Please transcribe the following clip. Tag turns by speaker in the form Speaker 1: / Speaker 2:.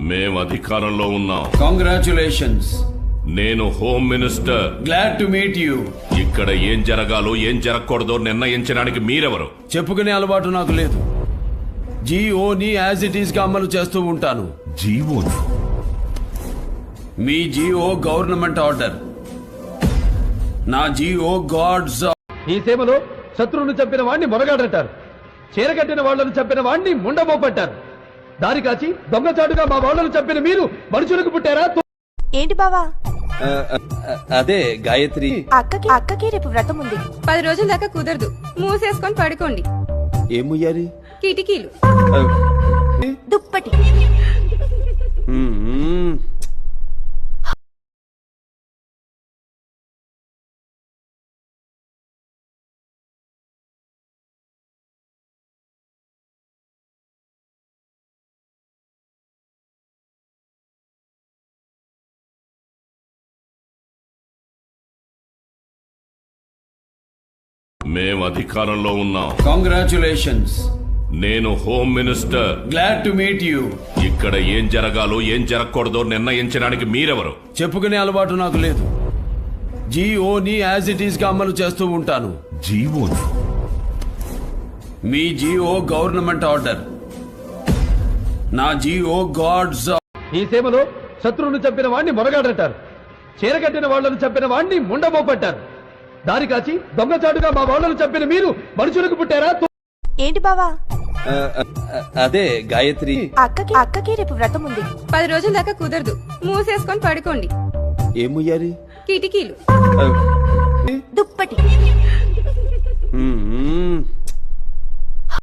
Speaker 1: మేం అధికారంలో ఉన్నాం.
Speaker 2: కంగ్రాచులేషన్స్.
Speaker 1: నేను home minister.
Speaker 2: Glad to meet you.
Speaker 1: ఇక్కడ ఏం జరగాలో ఏం జరగకూడదో నిర్ణయించడానికి మీరెవరు?
Speaker 2: చెప్పుకునే అలవాటు నాకు లేదు. జీఓని యాజ్ ఇట్ ఈస్ గా అమలు చేస్తూ ఉంటాను.
Speaker 1: జీవోను?
Speaker 2: మీ జీఓ గవర్నమెంట్ ఆర్డర్, నా జీఓ గాడ్స్.
Speaker 3: ఈ సేవలో శత్రువును చంపిన వాణ్ణి మొరగాడంటారు, చీరగట్టిన వాళ్లను చంపిన వాణ్ణి ముండమోపంటారు. దారి కాచి దొంగచాటుగా మా వాళ్లను చంపిన మీరు మనుషులకు పుట్టారా?
Speaker 4: ఏంటి బావా?
Speaker 5: అదే గాయత్రి,
Speaker 4: అక్కకి రేపు వ్రతం ఉంది.
Speaker 6: 10 రోజుల దాకా కుదరదు. మూసేసుకొని పడుకోండి.
Speaker 5: ఏముయ్యారి?
Speaker 6: కిటికీలు.
Speaker 4: దుప్పటి.
Speaker 1: మేం అధికారంలో ఉన్నాం.
Speaker 2: కంగ్రాచులేషన్స్.
Speaker 1: నేను home minister.
Speaker 2: Glad to meet you.
Speaker 1: ఇక్కడ ఏం జరగాలో ఏం జరగకూడదో నిర్ణయించడానికి మీరెవరు?
Speaker 2: చెప్పుకునే అలవాటు నాకు లేదు. జీఓని యాజ్ ఇట్ ఈస్ గా అమలు చేస్తూ ఉంటాను.
Speaker 1: జీవోను?
Speaker 2: మీ జీఓ గవర్నమెంట్ ఆర్డర్, నా జీఓ గాడ్స్.
Speaker 3: ఈ సేవలో శత్రువును చంపిన వాణ్ణి మొరగాడంటారు, చీరగట్టిన వాళ్లను చంపిన వాణ్ణి ముండమోపంటారు. దారి కాచి దొంగచాటుగా మా వాళ్లను చంపిన మీరు మనుషులకు పుట్టారా?
Speaker 4: ఏంటి బావా?
Speaker 5: అదే గాయత్రి,
Speaker 4: అక్కకి రేపు వ్రతం ఉంది.
Speaker 6: 10 రోజుల దాకా కుదరదు. మూసేసుకొని పడుకోండి.
Speaker 5: ఏముయ్యారి?
Speaker 6: కిటికీలు.
Speaker 4: దుప్పటి.